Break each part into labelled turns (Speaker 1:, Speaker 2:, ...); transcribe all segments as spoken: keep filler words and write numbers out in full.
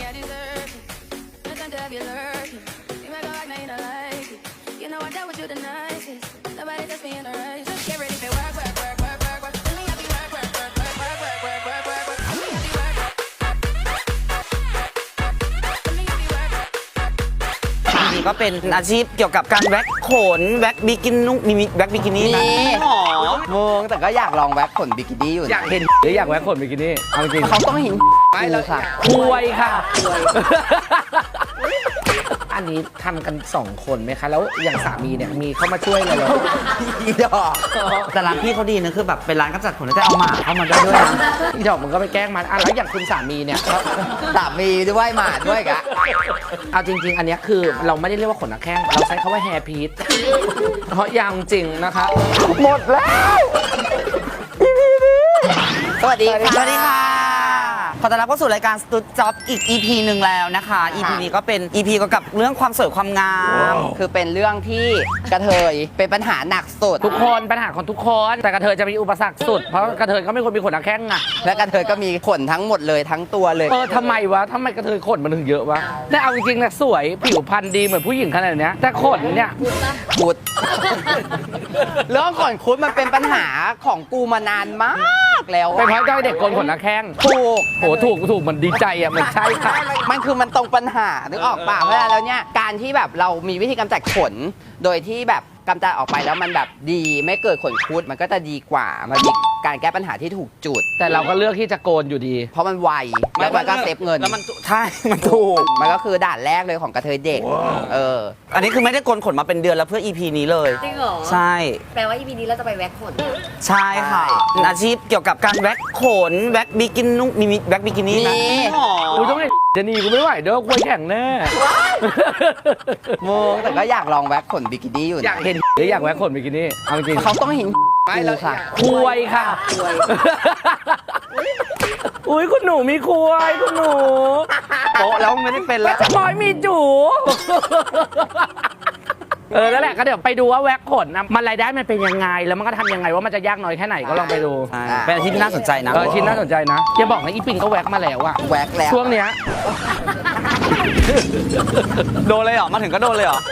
Speaker 1: I deserve it. No time to have you lurking. You might go like, no, you don't like it. You know I dealt with you the nicest. Nobody touched me in a race. Just get ready for work, work, work, work, work, work. Let me have you work, work, work, work, work, work, work, work, work, work. Let me have you work, work. Let me have you work, work.
Speaker 2: อันนี้ก็เป็นอาชีพเกี่ยวกับการแว็กขนแว็กบิกินี่มีแว็กบิกินี่ไหม
Speaker 3: มี
Speaker 2: หรอ
Speaker 3: มึงแต่ก็อยากลองแว็กขนบิกินี่อยู่
Speaker 4: อยากเห็นหรืออยากแว็กขนบิกินี่เอาจริง
Speaker 3: เขาต้องเห็น
Speaker 4: ไม่แล้ว
Speaker 3: ค่ะ
Speaker 4: คุยค่ะ อันนี้ทำกันสองคนไหมคะ แล้วอย่างสามีเนี่ยมีเข้ามาช่วยอะไรเรา
Speaker 3: อีดอก
Speaker 2: แต่ร้านพี่เขาดีนะคือแบบเป็นร้านกำจัดขนแล้วแต่เอาหมาเข้ามาได้ด้วยนะ
Speaker 4: อีดอกมันก็ไปแกล้งมันอ่ะแล้วอย่างคุณสามีเนี่ยเขา
Speaker 3: สามีด้วยหมาด้วยกะ
Speaker 4: เอาจริง ๆ อันเนี้ยคือเราไม่ได้เรียกว่าขนนักแข้งเราใช้คาว่าแฮร์พีทเพราะยาวจริงนะคะ หมดแล้ว
Speaker 3: สวัสดีค่ะ
Speaker 2: สวัสดีค่ะ ขอต้อนรับเข้าสู่รายการสตูดจ็อบอีก อี พี หนึ่งแล้วนะคะ อี พี นี้ก็เป็น อี พี เกี่ยวกับเรื่องความสวยความงาม
Speaker 3: คือเป็นเรื่องที่กระเทยเป็นปัญหาหนักสุด
Speaker 4: ทุกคนปัญหาของทุกคนแต่กระเทยจะมีอุปสรรคสุดเพราะกระเทยก็ไม่ควรมีขนนักแข้งอะ
Speaker 3: และกระเทยก็มีขนทั้งหมดเลยทั้งตัวเลย
Speaker 4: เออทำไมวะทำไมกระเทยขนมันถึงเยอะวะแต่เอาจริงๆนะสวยผิวพรรณดีเหมือนผู้หญิงขนาดเนี้ยแต่ขนเนี่ย
Speaker 3: คุด เรื่องขนคุดมันเป็นปัญหาของกูมานานมากแล้ว
Speaker 4: เป็นเพราะเจ้าเด็กโกนขนนักแข้ง
Speaker 3: ถูก
Speaker 4: โหถูกถูกมันดีใจอ่ะมันใช่ค่ะ
Speaker 3: มันคือมันตรงปัญหานึกออกป่ะเพราะฉะนั้นแล้วเนี่ยการที่แบบเรามีวิธีกำจัดขน โดยที่แบบกำจัดออกไปแล้วมันแบบดีไม่เกิดขนคุดมันก็จะดีกว่ามันมีการแก้ปัญหาที่ถูกจุด
Speaker 4: แต่เราก็เลือกที่จะโกนอยู่ดี
Speaker 3: เพราะมันไวแล้วมันก็เซฟเงิน
Speaker 2: แล้วมันใช่มันถูก
Speaker 3: มันก็คือด่านแรกเลยของกระเทยเด็กเออ
Speaker 2: อันนี้คือไม่ได้โกนขนมาเป็นเดือนแล้วเพื่อ อี พี นี้เลย
Speaker 5: จริงเหรอ
Speaker 2: ใช่
Speaker 5: แปลว่า อี พี นี้เราจะไปแว็กขน
Speaker 2: ใช่ค่ะเป็นอาชีพเกี่ยวกับการแว็กขนแว็กบิกินี่มีแว็กบิกินี่ไหม
Speaker 3: มี
Speaker 2: หรอ
Speaker 4: กูต้องเด็กจะหนีกูไม่ไหวเด้อควยแข่งแน่
Speaker 3: มึงแต่ก็อยากลองแว็กขนบิกินี่อยู่
Speaker 4: อยากเห็นหรืออยากแว็กขนบิกินี่เอาจริง
Speaker 3: เขาต้องเห็น
Speaker 4: ไม่แล้ว
Speaker 3: ค่ะ
Speaker 4: คุยค่ะอุ้ยคุณหนูมีคุยคุณหนู
Speaker 2: โป๊ะแล้วไม่ได้เป็น
Speaker 4: แล้
Speaker 2: แล้ว ว
Speaker 4: จะมอยมีจูเออแล้วแหละก็เดี๋ยวไปดูว่าแว็กขนนะมันรายได้มันเป็นยังไงแล้วมันก็ทำยังไงว่ามันจะยากน้อยแค่ไหนก็ลองไปดู
Speaker 2: ใช่เป็นอาชีพที่น่าสนใจนะ
Speaker 4: เออชิ้นน่าสนใจนะอย่าบอกนะอีปิงก็แว็กมาแล้วอะ
Speaker 3: แว็กแล้ว
Speaker 4: ช่วงเนี้ย
Speaker 2: โดนเลยเหรอมาถึงก็โดนเลยเหรอ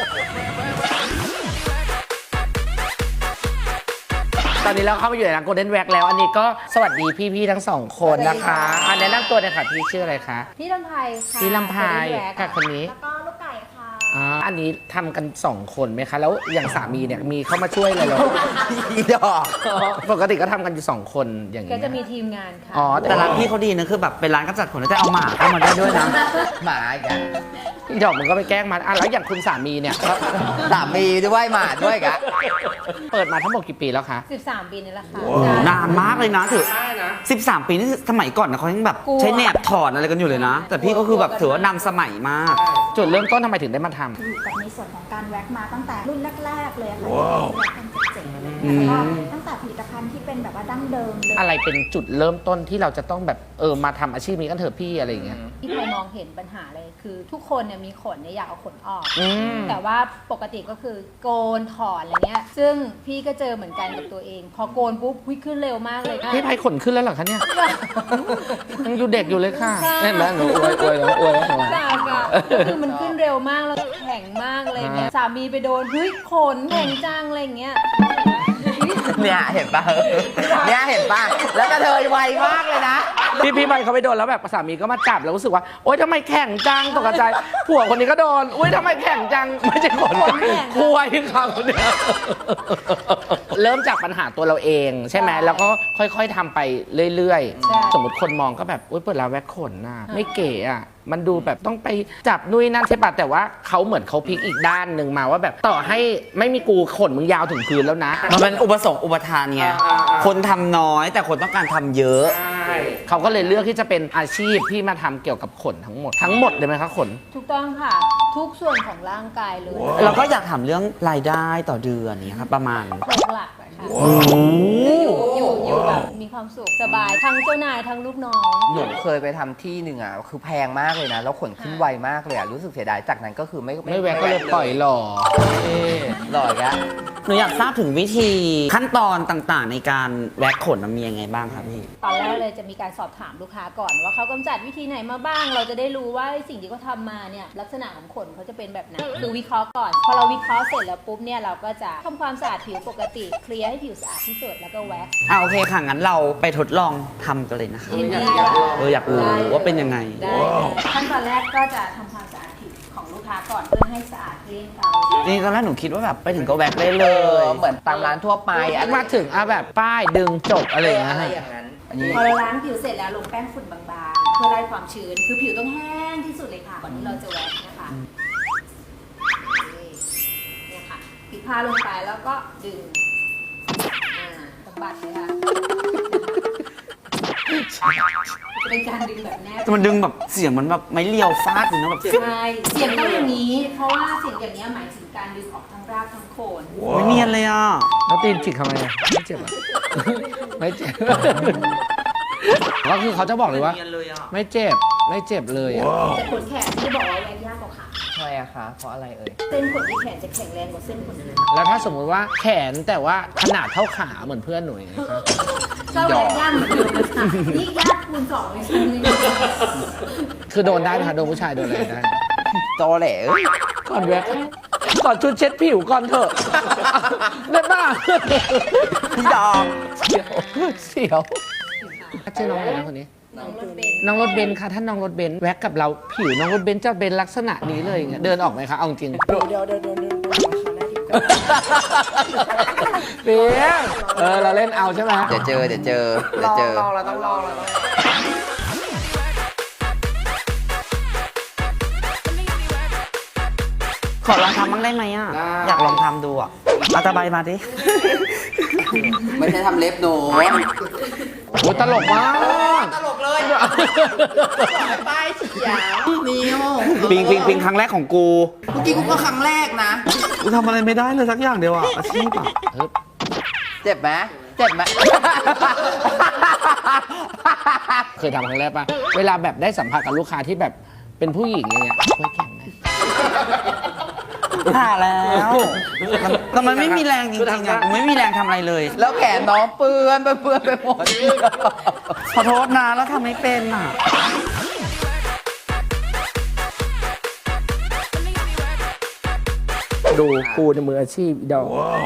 Speaker 4: ตอนนี้เราเข้าไปอยู่ในร้านโกลเด้นแว็กแล้ว อันนี้ก็สวัสดีพี่ๆทั้งสองคนนะคะอันแนะนำตัวหน่อยค่ะพี่ชื่ออะไรคะ
Speaker 5: พี่ลำไพค่ะ
Speaker 4: พี่ลำไพค่ะคนนี้
Speaker 5: แล้วก็ลูกไก่ค่ะ
Speaker 4: อ่าอันนี้ทำกันสองคนไหมคะ แล้วอย่างสามีเนี่ยมีเข้ามาช่วยอะไรเรา
Speaker 3: อีดอก
Speaker 4: ปกติก็ทำกันอยู่สองคนอย่าง
Speaker 5: ก็
Speaker 4: นี้
Speaker 5: จะมีทีมงานค่ะ
Speaker 4: อ๋อ
Speaker 2: แต่
Speaker 4: แต่
Speaker 2: ร้า
Speaker 4: ร้าน น
Speaker 2: พี่เขาดีนะคือแบบเป็นร้านกำจัดขนแล้วแต่เอาหมาเข้ามาได้ด้วยนะ
Speaker 3: หมาอีกอะ
Speaker 4: พี่ดอกมันก็ไปแกล้งมันอ่ะแล้วอย่างคุณสามีเนี่ยเขา
Speaker 3: สามีด้วยหมาด้วยกะ
Speaker 4: เปิดมาทั้งหมดกี่ปีแล้วคะ
Speaker 5: สิบสาม ปีนี่แหละค่ะ
Speaker 2: นานมากเลยนะถือสิบสามปีนี่สมัยก่อนนะเขายังแบบ
Speaker 5: กลัว
Speaker 2: ใช้แหนบถอนอะไรกันอยู่เลยนะ แต่พี่ก็คือแบบถือว่านำสมัยมาก
Speaker 4: จุดเริ่มต้นทำไมถึงได้มาทำ
Speaker 6: อยู่กับในส่วนของการแว็กมาตั้งแต่รุ่นแรก ๆ เลยค่ะที่แว็กกันเจ๋งๆอะไรเงี้ยแล้วก็ตั้งแต่ผลิตภัณฑ์ที่เป็นแบบว่าดั้งเดิมเลย
Speaker 4: อะไรเป็นจุดเริ่มต้นที่เราจะต้องแบบเออมาทำอาชีพนี้กันเถอะพี่อะไรอย่างเงี้ย
Speaker 5: ที่เคยมองเห็นปัญหาเลยคือ ทุกคนเนี่ยมีขนเนี่ยอยากเอาขนออก
Speaker 4: อืม
Speaker 5: แต่ว่าปกติก็คือโกนถอนอะไรเงี้ย ซึ่งพี่ก็เจอเหมือนกันกับตัวเอง พอโกนปุ๊บวิขึ้นเร็วมากเลยค่ะ
Speaker 4: พี่ไพขนขึ้นแล้วเหรอคะเนี่ยยังอยู่เด็กอยู่เลยค่ะเห็นไหมหนูอวยอวยแล้วอวยแล้ว
Speaker 5: จ้าค่ะก็คือมันขึ้นเร็วมากแล้วแข็งมากเลยเนี่ยสามีไปโดนเฮ้ยขนแข็งจังอะไรเงี้ย
Speaker 3: เนี่ยเห็นปะเนี่ยเห็นปะแล้วกระเทยไวมากเลยนะ
Speaker 4: พี่พี่ไพเขาไปโดนแล้วแบบสามีก็มาจับแล้วรู้สึกว่าโอ๊ยทำไมแข็งจังตกใจผัวคนนี้ก็โดนอุ้ยทำไมแข็งจังไม่ใช่ขนจังคุยเขาเนี่ยเริ่มจากปัญหาตัวเราเองใช่ไหมแล้วก็ค่อยๆทำไปเรื่อย
Speaker 5: ใช่
Speaker 4: ๆ สมมติคนมองก็แบบอุ้ยเปิดร้านแว็กขนน่ะไม่เก๋อ่ะมันดูแบบต้องไปจับนุ้ยนั่นใช่ปะแต่ว่าเขาเหมือนเขาพลิกอีกด้านหนึ่งมาว่าแบบต่อให้ไม่มีกูขนมึงยาวถึงพื้นแล้วนะ
Speaker 2: มันเป็นอุปสงค์อุปทานไง
Speaker 4: อ่าๆ
Speaker 2: คนทำน้อยแต่คนต้องการทำเยอะ
Speaker 4: เขาก็เลยเลือกที่จะเป็นอาชีพที่มาทำเกี่ยวกับขนทั้งหมดทั้งหมดเลยไหมคะขน
Speaker 5: ถูกต้องค่ะ ทุกส่วนของร่างกายเลย
Speaker 2: เราก็อยากถามเรื่องรายได้ต่อเดือนนี้ครับประมาณ
Speaker 5: หลักๆอะค่ะค่ะอยู่อยู่อยู่แบบมีความสุขสบายทั้งเจ้านายทั้งลูกน้อง
Speaker 3: หนูเคยไปทำที่หนึ่งอ่ะคือแพงมากเลยนะแล้วขนขึ้นไวมากเลยอ่ะรู้สึกเสียดายจากนั้นก็คือไม่
Speaker 4: ไม่แวะก็เลยปล่อยหล่อเอ๊ะ
Speaker 3: หล่ออีกแล้ว
Speaker 2: หนูอยากทราบถึงวิธีขั้นตอนต่างๆ ในการแว็กขนมันมียังไงบ้างครับพี่
Speaker 5: ตอนแรกเลยจะมีการสอบถามลูกค้าก่อนว่าเขากำจัดวิธีไหนมาบ้าง เราจะได้รู้ว่าสิ่งที่เขาทำมาเนี่ยลักษณะของขนเขาจะเป็นแบบไหนคือวิเคราะห์ก่อนพอเราวิเคราะห์เสร็จแล้วปุ๊บเนี่ยเราก็จะทำความสะอาดผิวปกติเคลียร์ให้ผิวสะอาดที่สุดแล้วก็แว็กซ์
Speaker 2: อ่าโอเคค่ะ งั้นเราไปทดลองทำกันเลยนะคะ
Speaker 5: เห็นไหม
Speaker 2: เอออยากรู้ว่าเป็นยังไง
Speaker 5: ได้ขั้นตอนแรกก็จะทำความสะอาดผิวของลูกค้าก่อนเพื่อให้สะอาดเกลี้ยงเกลา
Speaker 2: นี่ตอนแรกหนูคิดว่าแบบไปถึงก็แว็กได้เล
Speaker 3: เอย อเหมือนตามร้านทั่วไปอะไร
Speaker 4: มาถึงอ่ะแบบป้ายดึงจบอะไรอย่างเงี้ย
Speaker 3: อะไร
Speaker 4: ฮะ
Speaker 3: อย่างนั้นอันนี้
Speaker 5: พอเราล้างผิวเสร็จแล้วลงแป้งฝุ่นบางๆ เพื่อไล่ความชื้น คือผิวต้องแห้งที่สุดเลยค่ะ ก่อนที่เราจะแว็กซ์นะคะเนี่ยค่ะปิดผ้าลงไปแล้วก็ดึง อ่าสะบัดเลยค่ะจะเป็นการดึงแบบแนบ
Speaker 2: แต่มันดึงแบบเสียงมันแบบไม่เลียวฟาดเลยนะแบบ
Speaker 5: ใช่เสียงต้องอย่างนี้ เพราะว่าเสียงอย่างนี้ยหมายถึงการดึงออกทั้งรากทั้งโคน
Speaker 2: ไม่เนียนเลยอ่ะ
Speaker 4: แล้วตีนจิกทำไมอ่ะไม่เจ็บอ่ะ ไม่เจ็บ ก็คือเขาจะบอกเลยว่า
Speaker 2: ไม่เนียนเลยอ่ะ
Speaker 4: ไม่เจ็บไม่เจ็บเลยอ่ะ
Speaker 5: แต่ขนแขนที่บอกว่าแว็กยากกว่าขา
Speaker 3: ทำไมอะคะเพราะอะไรเอ่ย
Speaker 5: เส้นขนที่แขนจะแข็งแรงกว่าเส้นขนอื่น
Speaker 4: แล้วถ้าสมมุติว่าแขนแต่ว่าขนาดเท่าขาเหมือนเพื่อนหนูอย่างเงี้ยครับ
Speaker 5: ก็แว็กยากเหมือนเดิมนะคะนี่ยากคูณสองเลยชิ้นนึง
Speaker 4: คือโดนได้ไหมคะโดนผู้ชายโดนอะไรได้
Speaker 3: โตแหละเอ้ย
Speaker 4: ก่อนแว็กก่อนชุดเช็ดผิวก่อนเถอะ ได้ป่ะ
Speaker 2: พี่ดอง
Speaker 4: เสียวเสียวชื่อน้องอะไรนะคนนี้
Speaker 5: น้องรถเบนซ์
Speaker 4: น้องรถเบนซ์ค่ะท่านน้องรถเบนซ์แว็กกับเราผิวน้องรถเบนซ์จะเป็นลักษณะนี้เลยอย่างเงี้ยเดินออกไหมคะเอาจริง
Speaker 6: เดี๋ยวเดี๋ยวเดี๋ยวเดี๋ยวเดี๋ยวขอหน้าที่ก่อน
Speaker 4: เปียงเออเราเล่นเอาใช่ไหม
Speaker 3: เดี๋ยวเจอเดี๋ยวเจอเดี๋ยวเจอ
Speaker 2: ลองเราต้องลองเราต้องขอลองทำบ้างได้ไหมอ่ะ อยากลองทำดูอ่ะเอาตะไบมาดิ
Speaker 3: ไม่ใช่ทำเล็บหนู
Speaker 4: โอ้ตลกมาก
Speaker 3: ตลกเลยป้ายเขียวนิ้ว
Speaker 2: ปิงปิงปิงครั้งแรกของกู
Speaker 3: เมื่อกี้กูก็ครั้งแรกนะ
Speaker 2: กูทำอะไรไม่ได้เลยสักอย่างเดียวอ่ะอาชีพอ่ะ
Speaker 3: เจ็บไหมเจ็บไหม
Speaker 4: เคยทำครั้งแรกปะเวลาแบบได้สัมผัสกับลูกค้าที่แบบเป็นผู้หญิงอย่างเงี้ยช่วยแข่งไหม
Speaker 2: ผ่าแล้วมันแต่มันไม่มีแรงจริงๆอ่ะกูไม่มีแรงทำอะไรเลย
Speaker 3: แล้วแขนน้องเปื้อนเปื้อนไปหมด
Speaker 2: ขอโทษนะแล้วทำไม่เป็นอ่ะ
Speaker 4: ดูกูในมืออาชีพอีดอก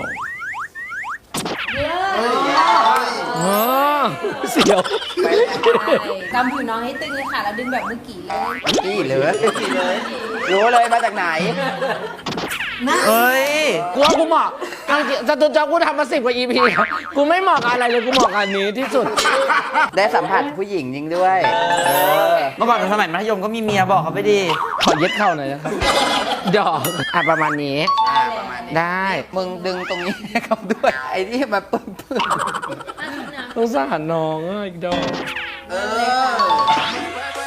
Speaker 5: เยอะ
Speaker 4: เออเสียว
Speaker 5: กำผิวน้องให้ตึงเลยค่ะ แล้วดึงแบบเมื่อกี้เลย
Speaker 3: นี่เลยรู้เลยมาจากไหน
Speaker 2: เอ้ย
Speaker 4: กูว่ากูเหมาะเอาจริงจตุจักรกูทำมาสิบกว่า อี พี กูไม่เหมาะกับอะไรเลยกูเหมาะกับอันนี้ที่สุด
Speaker 3: ได้สัมผัสผู้หญิงจริงด้วยเออ
Speaker 2: เมื่อก่อนสมัยมัธยมก็มีเมียบอกเขาไปดิ
Speaker 4: ขอเย็ดเข้าหน่อยนะครับดอกอ่ะประมาณนี้
Speaker 3: อ่าประมาณนี้
Speaker 4: ได้
Speaker 3: มึงดึงตรงนี้ให้เขาด้วย ไอ้ที่มาเปื้อนเปื้อน
Speaker 4: สงสารน้องอ่ะอีกดอก
Speaker 3: เออ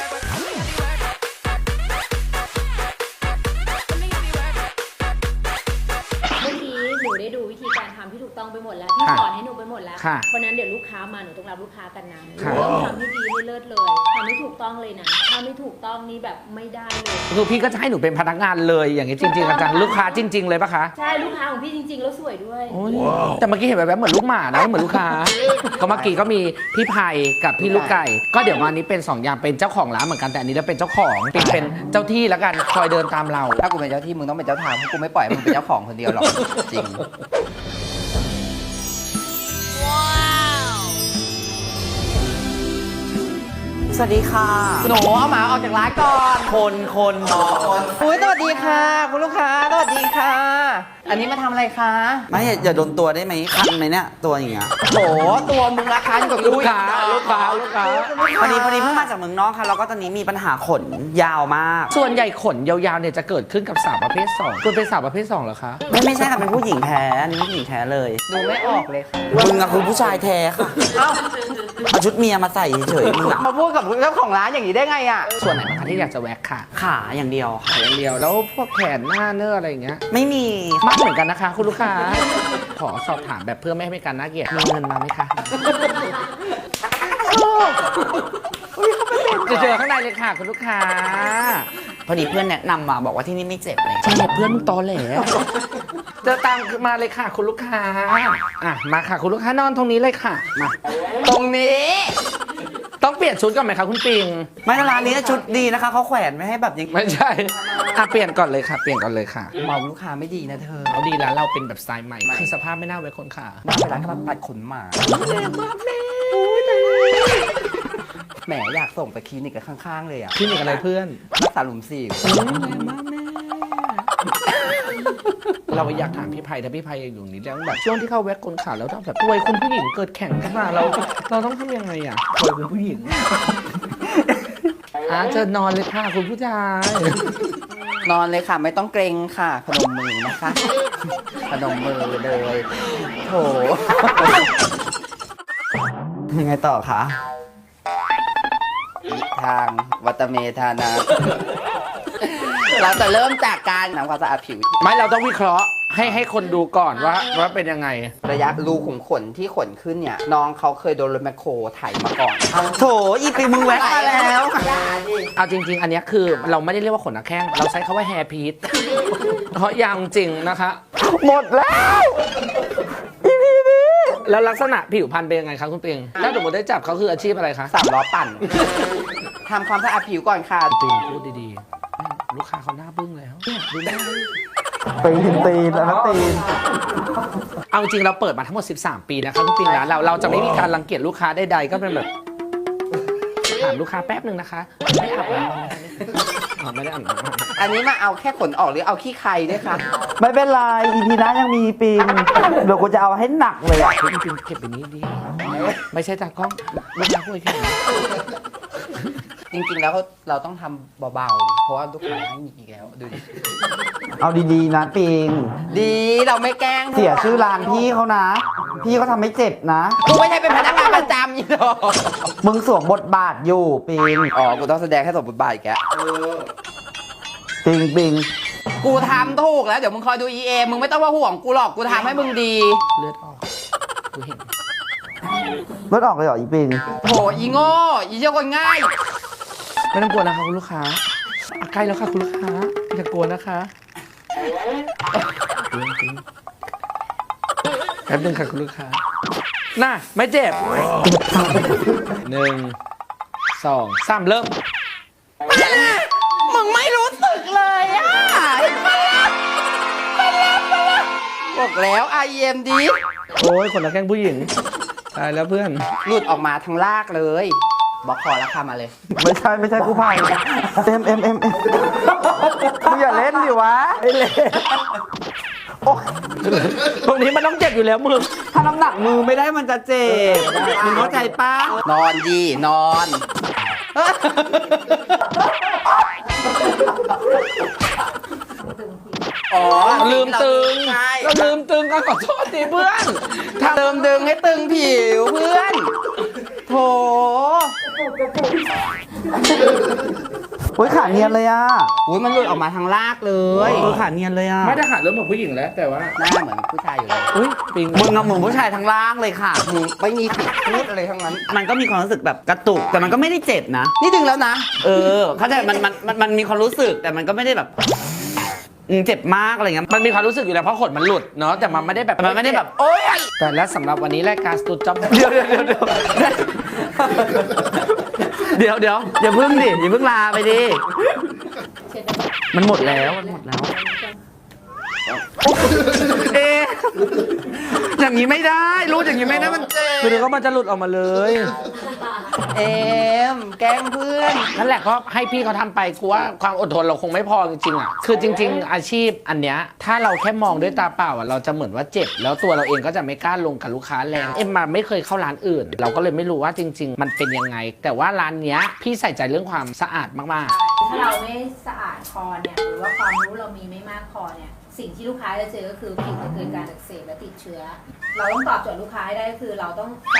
Speaker 5: เมื่อกี้หนูได้ดูวิธีการทำที่ถูกต้องไปหมดแล้ว พี่สอนให้หนูไปหมดแล้ว เพราะนั้นเดี๋ยวลูกค้ามาหนูต้องรับลูกค้ากันนะหนูต้องทำให้ดีให้เลิศเลยทำให้ถูกต้องเลยนะถ้าไม่ถูกต้องนี่แบบไม่ได้เลย
Speaker 4: คือพี่ก็จะให้หนูเป็นพนักงานเลยอย่างนี้จริงๆจังๆลูกค้าจริง ๆ เลยปะคะ
Speaker 5: ใช่ลูกค้าของพี่จริงๆแล้วสวยด้วย
Speaker 4: โอ้ยแต่เมื่อกี้เห็นแบบๆเหมือนลูกหมานะเหมือนลูกค้า ก็เมื่อกี้ก็มีพี่ไผ่กับพี่ลูกไก่ ก็เดี๋ยววันนี้เป็นสองอย่างเป็นเจ้าของร้านเหมือนกันแต่อันนี้เราเป็นเจ้าของเป็นเป็นเจ้าที่แล้วกันคอยเดินตามเรา
Speaker 3: ถ้ากูเป็นเจ้าที่มึงต้องเป็นเจ้าทางเพราะกูไม่ปล่อยให้มึงเป็นเจ้าของคนเดียวหรอก จริง
Speaker 2: สวัสดีค่ะ
Speaker 3: หนูเอาหมาออกจากร้านก่อน
Speaker 2: คนคน
Speaker 3: อุ้ยสวัสดีค่ะ คุณลูกค้า สวัสดีค่ะ อันนี้มาทำอะไรคะ
Speaker 2: ไม่อย่าโดนตัวได้ไหมคันไหมเนี่ยตัวอย่างเงี้ย
Speaker 3: โห ตัวมึงราคาอยู่กับ
Speaker 4: ลูกค้าลูกค้าลูกค้า
Speaker 2: พอดีพอดีเพิ่งมาจากเมืองนอกค่ะแล้วก็ตอนนี้มีปัญหาขนยาวมาก
Speaker 4: ส่วนใหญ่ขนยาวๆเนี่ยจะเกิดขึ้นกับสาวประเภทสองคุณเป็นสาวประเภทสองเหรอคะ
Speaker 2: ไม่ไม่ใช่ค่ะเป็นผู้หญิงแท้อันนี้ผู้หญิงแท้เลย
Speaker 3: ดูไม่ออกเลยค่ะ
Speaker 2: มึงอะคือผู้ชายแท้ค่ะ
Speaker 3: เอ้า
Speaker 2: เอาชุดเมียมาใส่เฉยๆมึงอะ
Speaker 3: มาพูดกับเจ้าของร้านอย่างนี้ได้ไงอ่ะ
Speaker 4: ส่วนไหนบ้างคะที่อยากจะแว็กค่ะ
Speaker 2: ขาอย่างเดียวค่ะ
Speaker 4: อย่างเดียวแล้วพวกแขนหน้าเนื้ออะไรอย่างเงี้ย
Speaker 2: ไม่มี
Speaker 4: มากเหมือนกันนะคะ คุณลูกค้าขอสอบถามแบบเพื่อไม่ให้เป็นการน่าเกลียดมีเงินมาไหมคะจะเจอข้างในเลยค่ะคุณลูกค้า
Speaker 2: พอดีเพื่อนแนะนำมาบอกว่าที่นี่ไม่เจ็บเลย
Speaker 4: ใช่เพื่อนมึงตอแหลเจอตังค์มาเลยค่ะคุณลูกค้าอ่ะมาค่ะคุณลูกค้านอนตรงนี้เลยค่ะมา
Speaker 3: ตรงนี้
Speaker 4: ต้องเปลี่ยนชุดก่อนไหมคะคุณปิง
Speaker 2: ไม่ร้านนี้ชุดดีนะคะเขาแขวนไม่ให้แบบอย่าง
Speaker 4: ไม่ใช่อ่ะเปลี่ยนก่อนเลยค่ะ เปลี่ยนก่อนเลยค่ะ
Speaker 3: มองลูกค้าไม่ดีนะเธอ
Speaker 4: เอาดีแล้วเราเป็นแบบสไตล์ใหม่คือสภาพไม่น่าไว้คนขา
Speaker 3: น่าไปร้านกำลังตัดขนหมาแหมอยากส่งไปคลินิกกับข้างๆเลยอ่ะ
Speaker 4: พี่มีอะไรเพื่อน
Speaker 3: รักษาหลุมสี่
Speaker 4: เราอยากถามพี่ไพถ้าพี่ไพยังอยู่นี่แล้วแบบช่วงที่เข้าแว็กคนขาแล้วต้องแบบป่วยคุณผู้หญิงเกิดแข่งขึ้นมาเราเราต้องทำยังไงอ่ะป่วยคุณผู้หญิงอ่ะเชิญนอนเลยค่ะคุณผู้ชาย
Speaker 3: นอนเลยค่ะไม่ต้องเกรงค่ะพนมมือนะคะพนมมือเลยโถ
Speaker 2: ยังไงต่อคะ
Speaker 3: ทางวัตเมธานา เราจะเริ่มจากการทำความสะอาดผิว
Speaker 4: ไม่เราต้องวิเคราะห์ให้ให้คนดูก่อนว่าว่าเป็นยังไง
Speaker 3: ระยะรูขุมขนที่ขนขึ้นเนี่ย น้องเขาเคยโดนรถแมคโครไถมาก่อน
Speaker 2: โถอีปีมึงแวะมาแล้ว
Speaker 4: เอาจริง ๆ อันเนี้ยคือเราไม่ได้เรียกว่าขนหน้าแข้งเราใช้คำว่าแฮร์พีทเพราะยาวจริงนะคะ
Speaker 2: หมดแล้ว
Speaker 4: แล้วลักษณะผิวพรรณเป็นยังไงครับคุณปิงถ้าสมมติได้จับเขาคืออาชีพอะไรคะ
Speaker 3: สามล้อปั่น ทำความสะอาดผิวก่อนค่ะ
Speaker 4: ปิงพูดดีๆลูกค้าเขาหน้าบึ้งแล้วเนี่ยดูหน้าดิ
Speaker 2: ตีนตีนแล้วตีน
Speaker 4: เอาจริงเราเปิดมาทั้งหมดสิบสามปีนะครับคุณปิงนะเราเราจะไม่มีการรังเกียจลูกค้าใดๆก็เป็นแบบถามลูกค้าแป๊บหนึ่งนะคะไม่อาบน้ำนะคะอ๋อไม่ได้อาบน้ำ
Speaker 3: อันนี้มาเอาแค่ขนออกหรือเอาขี้ใครด้วยคะ
Speaker 2: ไม่เป็นไรอีพีหน้ายังมีปีนเดี๋ยวกูจะเอาให้หนักเลยอ่ะ
Speaker 4: คุณปิงเก็บไปนี้ดีไม่ใช่ตากล้องลูกค้าพูดแค่นี้
Speaker 3: จริงๆแล้วเราต้องทำเบาๆ เพราะว่าลูกค้าไม่มีอีกแล้ว ดูดิ
Speaker 2: เอาดีๆนะปิง
Speaker 3: ดีเราไม่แกล้ง
Speaker 2: เสียชื่อร้านพี่เขานะ พี่เขาทำไม่เจ็บนะ
Speaker 3: กูไม่ใช่เป็นพนักงานประจำอีกหรอก
Speaker 2: มึงสวมบทบาทอยู่ปิง
Speaker 3: อ๋อ กูต้องแสดงให้สมบทบาทอีกแล้ว
Speaker 2: ปิงปิง
Speaker 3: กูทำถูกแล้ว เดี๋ยวมึงคอยดู อี เอ มึงไม่ต้องมาห่วงกูหรอก กูทำให้มึงดี
Speaker 4: เลือดออกกูเห็น
Speaker 2: เลือดออกเลยเหรออีปิง
Speaker 3: โห อีโง่ อีเจ้าคนง่าย
Speaker 4: ไม่ต้องกลัวนะคะคุณลูกค้าอ่ะใกล้แล้วค่ะคุณลูกค้าอย่ากลัวนะคะแป๊บนึงค่ะคุณลูกค้าน่ะไม่เจ็บหนึ่งสองสามเริ่ม
Speaker 3: มึงไม่รู้สึกเลยอ่ะบอกแล้ว ไอ เอ็ม ดี
Speaker 4: โอ้ยขนตาแข้งผู้หญิงตายแล้วเพื่อน
Speaker 3: หลุดออกมาทั้งลากเลยบอกขอราคามาเลย
Speaker 2: ไม่ใช่ไม่ใช่กู้ภัยเอ็มเอ็มเอ็มเอ็มมึงอย่าเล่นดิวะไอ้เล่นโอ้ย
Speaker 4: ตรงนี้มันต้องเจ็บอยู่แล้วมึง
Speaker 2: ถ้าน้ำหนักมือไม่ได้มันจะเจ็บมึงเข้าใจป้าน
Speaker 3: อนดีนอน อ๋อ
Speaker 4: ลืมตึง
Speaker 3: ใช่
Speaker 4: เราลืมตึงก็ขอโทษทีเพื่อน
Speaker 3: ถ้าเติมดึงให้ตึงผิวเพื่อน โถ
Speaker 2: โอ้ยขาเนียนเลยอ่ะ
Speaker 3: อุ้ยมันหลุดออกมาทางลากเลย
Speaker 2: เออขาเนียนเลยอ่ะ
Speaker 4: ไม่ได้ขาเริ่มเหมือนผู้หญิงแล้วแต่ว่า
Speaker 3: หน้าเหมือนผู้ชายอยู่เลย
Speaker 4: อุ้ยปิง
Speaker 2: มึงกับเหมือนผู้ชายทั้งล่างเลยค่ะ
Speaker 3: มึงไม่มีผิดพูดอะไรทั้งนั้น
Speaker 2: มันก็มีความรู้สึกแบบกระตุกแต่มันก็ไม่ได้เจ็บนะ
Speaker 3: นี่ดึงแล้วนะ
Speaker 2: เออเข้าใจมันมันมันมันมีความรู้สึกแต่มันก็ไม่ได้แบบอืมเจ็บมากอะไรเงี้ย
Speaker 4: มันมีความรู้สึกอยู่แล้วเพราะขนมันหลุดเนาะแต่มันไม่ได้แบบ
Speaker 2: แต่มันไม่ได้แบบโอ๊ย
Speaker 4: แต่และสำหรับวันนี้รายการสตูดจ็อบ
Speaker 2: เดี๋ยวเดี๋ยวเดี๋ยวเดี๋ยวเดี๋ยวเดี๋ยวอย่าเพิ่งดิอย่าเพิ่งลาไปดิมันหมดแล้วมันหมดแล้วเอ๊ะอย่างนี้ไม่ได้รู้อย่างนี้ไม่ได้มันเจ็บ
Speaker 4: คือเดี๋ยวก็มันจะหลุดออกมาเลย
Speaker 3: เอ็มแกล้งเพื่อน
Speaker 4: นั่นแหละก็ให้พี่เขาทำไปกูว่าความอดทนเราคงไม่พอจริงๆอ่ะคือจริง ๆ อาชีพอันเนี้ยถ้าเราแค่มองด้วยตาเปล่าอ่ะเราจะเหมือนว่าเจ็บแล้วตัวเราเองก็จะไม่กล้าลงกับลูกค้าแรงเอ็มมาไม่เคยเข้าร้านอื่น เราก็เลยไม่รู้ว่าจริง ๆ มันเป็นยังไง แต่ว่าร้านเนี้ยพี่ใส่ใจเรื่องความสะอาดมากๆ
Speaker 5: ถ้าเราไม่สะอาดพอเนี่ยหรือว่าความรู้เรามีไม่มากพอเนี่ยสิ่งที่ลูกค้าจะเจอก็คือผิวจะเกิดการอักเสบและติดเชื้อ เราต้องตอบโจทย์ลูกค้าให้ได้คือเราต้องสะอาด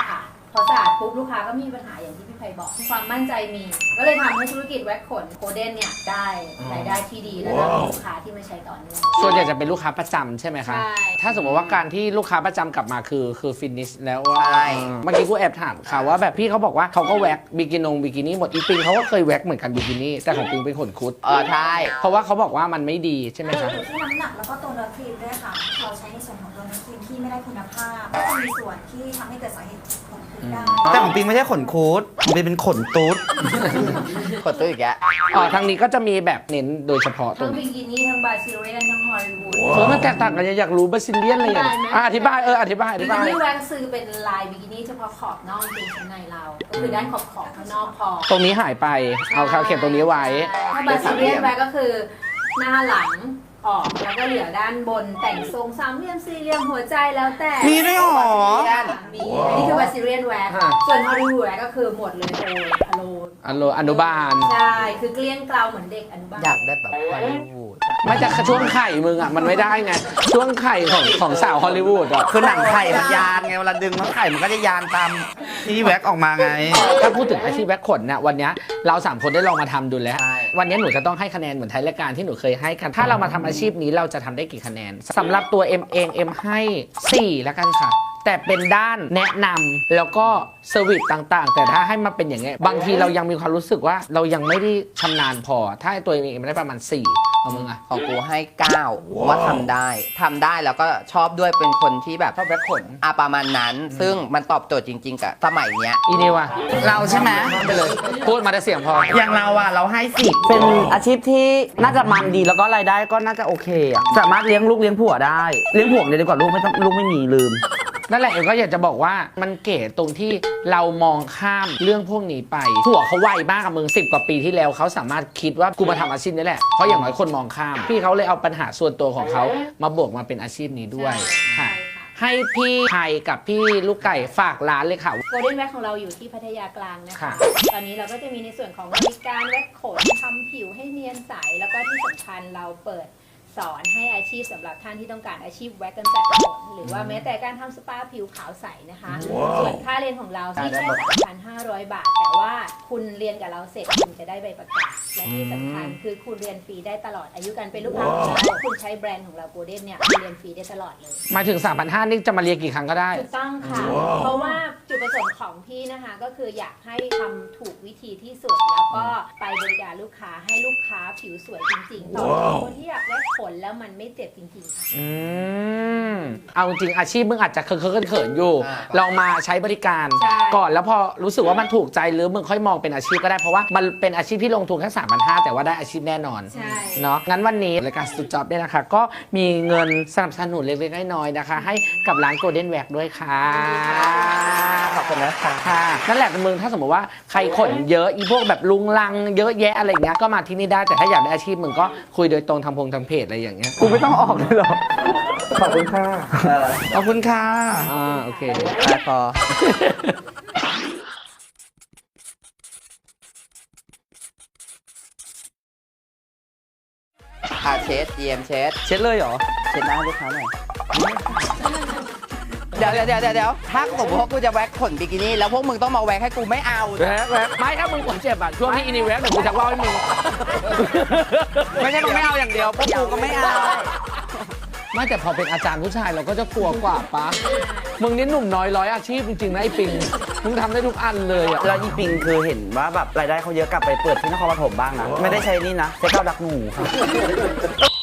Speaker 5: พอสะอาดปุ๊บลูกค้าก็มีปัญหาอย่างที่พี่ไพบอกความมั่นใจมี ก็เลยทำให้ธุรกิจแว็กขนโคเดนเนี่ยได้รายได้ที่ดีและมีลูกค้าที่มาใช้ต่อเนื่อง
Speaker 4: ส่วนใหญ่จะเป็นลูกค้าประจำใช่ไหมคะ
Speaker 5: ใช่
Speaker 4: ถ้าสมมติว่าการที่ลูกค้าประจำกลับมาคือคือฟินิชแล้วว่า
Speaker 3: ใช่
Speaker 4: เมื่อกี้กูแอบถามค่ะว่าแบบพี่เขาบอกว่าเขาก็แว็กบิกินงบิกินี่หมดอีปิงเขาก็เคยแว็กเหมือนกันบิกินี่แต่ของปิงเป็นขนคุด
Speaker 3: เออใช่
Speaker 4: เพราะว่าเขาบอกว่ามันไม่ดีใช่ไหมคะ
Speaker 6: อยู่ที่น้ำหนักแล้วก็ตัวเนื้อครีมด้วยค่ะ เราใช้ในส่วนของตัวเนื้อครีมที่ไม่ได้คุณภาพ ก็จะมีส่วนที่ทำให้เกิดสาเหตุของคุดได้
Speaker 2: แต่ของปิงไม่ใช่ขนคูดของปิงเป็นขนตุ๊ด
Speaker 3: กดตัวอีกแก
Speaker 4: อ๋อทางนี้ก็จะมีแบบเน้นโดยเฉพาะตร
Speaker 5: ทั้ง
Speaker 4: ง
Speaker 5: บิ
Speaker 4: นี้
Speaker 5: กินี่ทั้งบาซิเลียนทั้งฮอลลีวูด
Speaker 4: เออมันแตกต่างกันอยากรู้บาซิเลียนอะไรอย่างเงี้ยอ่ะอธิบายเอออธิบายอ
Speaker 5: บิ
Speaker 4: ธิ
Speaker 5: กิ
Speaker 4: บาย
Speaker 5: นี่แว็กซ์เป็นลายบิกินี่เฉพาะขอบนอกเป็นชั้นในเรา ก็คือด้านขอบขอบข้างนอกพอ
Speaker 4: ตรงนี้หายไปเอาคาเข็มตรงนี้ไว้
Speaker 5: ถ้าบาซิเลียนแว็กก็คือหน้าหลังออกแล้วก็เหลือด้านบนแต่งทรงสามเหลี่ยมสี่เหลี่ยมหัวใจแล้วแต่
Speaker 2: มีด้วยเหรอ
Speaker 5: มีอันนี้คือบาซิเลียนแว็ก
Speaker 4: ฮะ
Speaker 5: ส่วนฮอลลีวูดแว็กก็คือหมดเลยโอยอโลน
Speaker 4: อนุอนุบาล
Speaker 5: ใช่คือเกลี้ยงเกลาเหมือนเด็กอนุบาล
Speaker 3: อยากได้แบบฮอลลีวูด
Speaker 4: ไม่จะช่วงไข่มึงอ่ะมันไม่ได้ไงช่วงไข่ของของสาวฮอลลีวูดอ่ะ
Speaker 2: คือหนังไข่มันยานไงเวลาดึงมันไข่มันก็จะยานตามที่แว็กออกมาไง
Speaker 4: ถ้าพูดถึงอาชีพแว็กขนเนี่ยวันเนี้ยเราสามคนได้ลองมาทำดูแล้ว
Speaker 3: ใช่
Speaker 4: วันนี้หนูจะต้องให้คะแนนเหมือนท้ายรายการที่หนูเคยให้กันถ้าเรามาทำอาชีพนี้เราจะทำได้กี่คะแนนสำหรับตัวเอ็มเองเอ็มให้สี่แล้วกันค่ะ แต่เป็นด้านแนะนำแล้วก็เซอร์วิสต่างๆ แต่ถ้าให้มาเป็นอย่างเงี้ยบางทีเรายังมีความรู้สึกว่าเรายังไม่ได้ชำนาญพอ ถ้าตัวเองได้ประมาณสี่เอามึงอะ
Speaker 3: ของกูให้เก้าว่าทำได้ทำได้แล้วก็ชอบด้วยเป็นคนที่แบบ
Speaker 4: ชอบแว็กขน
Speaker 3: อาประมาณนั้น ซึ่งมันตอบโจทย์จริง ๆ กับสมัยเนี้ย
Speaker 4: อีนิวอะ
Speaker 2: เราใช่ไหม
Speaker 4: ไปเลยพูดมาแต่เสียงพอ
Speaker 2: อย่างเราอะเราให้สิบเป็นอาชีพที่น่าจะมันดีแล้วก็รายได้ก็น่าจะโอเคอะสามารถเลี้ยงลูกเลี้ยงผัวได้เลี้ยงผัวเลยดีกว่าลูกไม่ต้องลูกไม่มีลืม
Speaker 4: นั่นแหละเอ็มก็อยากจะบอกว่ามันเก๋ตรงที่เรามองข้ามเรื่องพวกนี้ไปผัวเขาไวมากกับมึงสิบกว่าปีที่แล้วเขาสามารถคิดว่ากูมาทำอาชีพนี้แหละเพราะอย่างน้อยคนมองข้าม พี่เขาเลยเอาปัญหาส่วนตัวของเขามาบวกมาเป็นอาชีพนี้ด้วย
Speaker 5: ใช่
Speaker 4: ค่ะ
Speaker 5: ค่ะ
Speaker 4: ให้พี่ไทยกับพี่ลูกไก่ฝากร้านเลยค่ะ
Speaker 5: โกลเด้นแว็กของเราอยู่ที่พัทยากลางนะคะ
Speaker 4: ค่ะ
Speaker 5: ตอนนี้เราก็จะมีในส่วนของบริการแว็กขนทำผิวให้เนียนใส แล้วก็ที่สำคัญเราเปิดสอนให้อาชีพสำหรับท่านที่ต้องการอาชีพแว็กกำจัดขนหรือว่าแม้แต่การทำสปาผิวขาวใสนะคะ ส่วนค่าเรียนของเราที่แค่ สามพันห้าร้อย บาท แต่ว่าคุณเรียนกับเราเสร็จคุณจะได้ใบประกาศ และที่สำคัญคือคุณเรียนฟรีได้ตลอดอายุการเป็นลูกค้าของเราคุณใช้แบรนด์ของเราโกลเด้นเนี่ยเรียนฟรีได้ตลอดเลย
Speaker 4: หมายถึง สามพันห้าร้อย นี่จะมาเรียนกี่ครั้งก็ได้
Speaker 5: ถูกต้องค่ะ เพราะว่าจุดประสงค์ของพี่นะคะก็คืออยากให้ทำถูกวิธีที่สุด แล้วก็ไปบริการลูกค้าให้ลูกค้าผิวสวยจริงๆต่อคนที่อยากได้ผลแล้วมันไม่เจ็บจริงๆค่ะ
Speaker 4: อืมเอาจริงอาชีพมึงอาจจะเคอะๆเขินๆอยู่
Speaker 3: อ่า
Speaker 4: ลองมาใช้บริการ
Speaker 5: ใช่
Speaker 4: ก่อนแล้วพอรู้สึกว่ามันถูกใจหรือมึงค่อยมองเป็นอาชีพก็ได้เพราะว่ามันเป็นอาชีพที่ลงทุนแค่สามพันห้าแต่ว่าได้อาชีพแน่นอน
Speaker 5: ใช่
Speaker 4: เนาะงั้นวันนี้รายการสตูจ็อบเนี่ยนะคะ ก็มีเงินสนับสนุนเล็กๆน้อยๆนะคะ ให้กับร้านโกลเด้นแว็กด้วยค่ะ
Speaker 3: ขอบคุณนะคะ
Speaker 4: ค่ะนั่นแหละมึงถ้าสมมติว่าใครขนเยอะอีพวกแบบลุงลังเยอะแยะอะไรอย่างเงี้ยก็มาที่นี่ได้แต่ถ้าอยากได้อาชีพมึงก็คุยโดยตรงทำพงทำเพจอะไรอย่างเงี้ย
Speaker 2: กูไม่ต้องออกเลยหรอ ขอบคุณค่ะ
Speaker 4: ขอบคุณค่ะอ่าโอเค
Speaker 3: แต่พอ อาเชสเยียมเชส
Speaker 2: เช็ดเลยเหรอ
Speaker 3: เช็ดหน้าลูกค้าหน่อย เดี๋ยวเดี๋ยวเดี๋ยวเดี๋ยวถ้าสมมติว่ากูจะแว็กขนบิกินี่แล้วพวกมึงต้องมาแว็กให้กูไม่เอา
Speaker 4: แว็กแว็กไม่ถ้ามึงขนเจ็บอ่ะช่วงที่อินิแว็กเดี๋ยวกูจะเล่าให้มึง
Speaker 2: ไม่ใช่มึงไม่เอาอย่างเดียวพวกกูก็ไม่เอา
Speaker 4: ไม่แต่พอเป็นอาจารย์ผู้ชายเราก็จะกลัวกว่าปะมึงนี่หนุ่มน้อยร้อยอาชีพจริงๆนะไอ้ปิงมึงทำได้ทุกอันเลยอ่ะ
Speaker 2: แล้วอีปิงคือเห็นว่าแบบรายได้เขาเยอะกลับไปเปิดที่นครปฐมบ้างนะ ไม่ได้ใช้นี่นะใช้เก้าดักหนูค่ะ